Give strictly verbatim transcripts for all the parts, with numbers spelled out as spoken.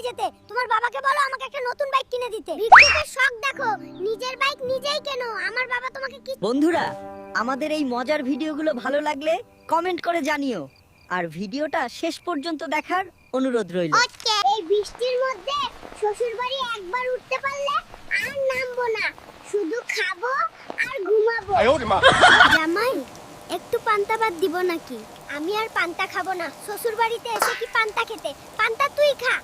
যেতে। তোমার বাবাকে বলো আমাকে একটা নতুন বাইক কিনে দিতে। ভিক্ষুকের শখ দেখো, নিজের বাইক নিজেই কেনো। আমার বাবা তোমাকে কি। বন্ধুরা, আমাদের এই মজার ভিডিওগুলো ভালো লাগলে কমেন্ট করে জানিও, আর ভিডিওটা শেষ পর্যন্ত দেখার অনুরোধ রইল। ওকে, এই বৃষ্টির মধ্যে শ্বশুর বাড়ি একবার উঠতে পারলে আর নামবো না, শুধু খাবো আর ঘুমাবো। জামাই, একটু পান্তা ভাত দিব নাকি? আমি আর পান্তা খাবো না। শ্বশুর বাড়িতে এসে কি পান্তা খেতে? পান্তা তুই খা।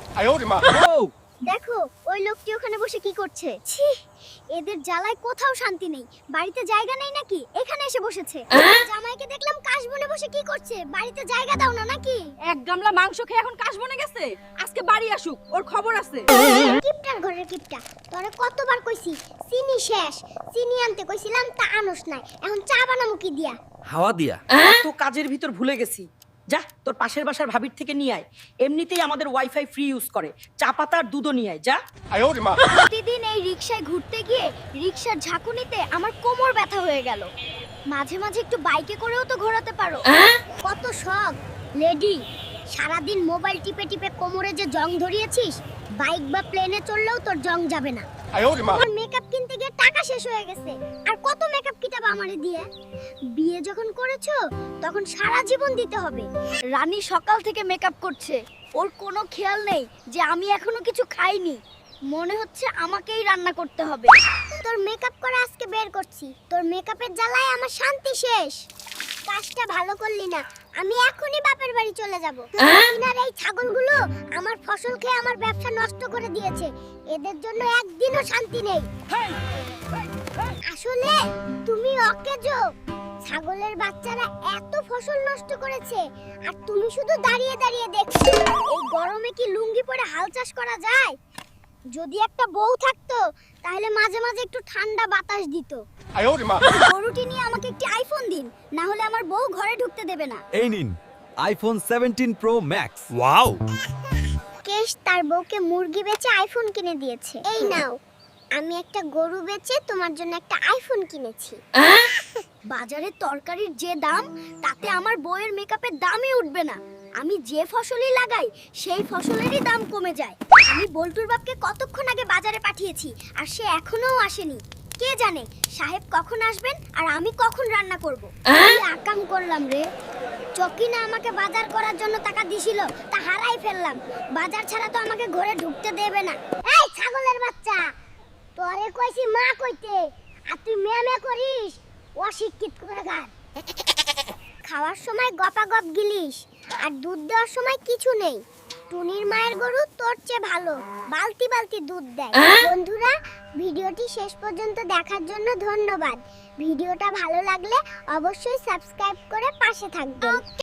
দেখো ওই লোকটি ওখানে বসে কি করছে। ছি, এদের জ্বালায় কোথাও শান্তি নেই। বাড়িতে জায়গা নেই নাকি? এখানে এসে বসেছে। জামাইকে দেখলাম কাশবনে বসে কি করছে। বাড়িতে জায়গা দাও না নাকি? এক গামলা মাংস খেয়ে এখন কাশবনে গেছে। আজকে বাড়ি আসুক, ওর খবর আছে। কিপটার ঘরের কিপটা, তোরে কতবার কইছি চিনি শেষ। চিনি আনতে কইছিলাম তা আনস নাই, এখন চা বানামু কি দিয়া? হাওয়া দিয়া। তো কাজের ভিতর ভুলে গেছি। যা তোর পাশের বাসার ভাবির থেকে নিয়ে আয়, এমনিতেই আমাদের ওয়াইফাই ফ্রি ইউজ করে। চা পাতা আর দুধও নিয়ে আয়, যা। প্রতিদিন এই রিকশায় ঘুরতে গিয়ে রিকশার ঝাঁকুনিতে আমার কোমর ব্যথা হয়ে গেল। মাঝে মাঝে একটু বাইকে করেও তো ঘোরাতে পারো। কত শখ লেডি, সারাদিন মোবাইল টিপে টিপে কোমরে যে জং ধরিয়েছিস, বাইক বা প্লেনে চললেও তোর জং যাবে না। আমার মেকআপ কিনতে গিয়ে টাকা শেষ হয়ে গেছে, আর কত মেকআপ কিটাব আমারে দিয়ে? বিয়ে যখন করেছো তখন সারা জীবন দিতে হবে। রানী সকাল থেকে মেকআপ করছে, ওর কোনো খেয়াল নেই যে আমি এখনো কিছু খাইনি। মনে হচ্ছে আমাকেই রান্না করতে হবে। তোর মেকআপ করে আজকে বের করছি। তোর মেকআপের জ্বালায় আমার শান্তি শেষ। কাজটা ভালো করলি না, আমি এখনই বাপের বাড়ি চলে যাব। আর এই ছাগলগুলো আমার ফসল খেয়ে আমার ব্যবসা নষ্ট করে দিয়েছে। এদের জন্য একদিনও শান্তি নেই। আসলে তুমি অকেজো। ছাগলের বাচ্চারা এত ফসল নষ্ট করেছে, আর তুমি শুধু দাঁড়িয়ে দাঁড়িয়ে দেখছো। এই গরমে কি লুঙ্গি পরে হাল চাষ করা যায়? যদি একটা বউ থাকতো তাহলে মাঝে মাঝে একটু ঠান্ডা বাতাস দিত। গরুটি নিয়ে আমাকে একটি আইফোন দিন, না হলে আমার বউ ঘরে ঢুকতে দেবে না। এই নিন iPhone seventeen pro max. Wow! কেশ তার বউকে মুরগি বেচে আইফোন কিনে দিয়েছে। এই নাও, আমি একটা গরু বেচে তোমার জন্য একটা আইফোন কিনেছি। বাজারে তরকারির যে দাম, তাতে আমার বউয়ের মেকআপের দামই উঠবে না। আমি যে ফসলই লাগাই সেই ফসলেরই দাম কমে যায়। আমি বল্টুর বাপকে কতক্ষণ আগে বাজারে পাঠিয়েছি, আর সে এখনো আসেনি। কে জানে সাহেব কখন আসবেন আর আমি কখন রান্না করব। কি আকাম করলাম রে। চকিনা আমাকে বাজার করার জন্য টাকা দিছিল, তা হারাই ফেললাম। বাজার ছাড়া তো আমাকে ঘরে ঢুকতে দেবে না। এই ছাগলের বাচ্চা, তোরে কইছি মা কইতে, আর তুই মেয়ে মেয়ে করিস। অশিক্ষিত কোথাকার। খাওয়ার সময় গপাগপ গিলিস, আর দুধ দেওয়ার সময় কিছু নেই। টুনির মায়ের গরু তোর চেয়ে ভালো, বালতি বালতি দুধ দেয়। বন্ধুরা, ভিডিওটি শেষ পর্যন্ত দেখার জন্য ধন্যবাদ। ভিডিওটা ভালো লাগলে অবশ্যই সাবস্ক্রাইব করে পাশে থাকবেন।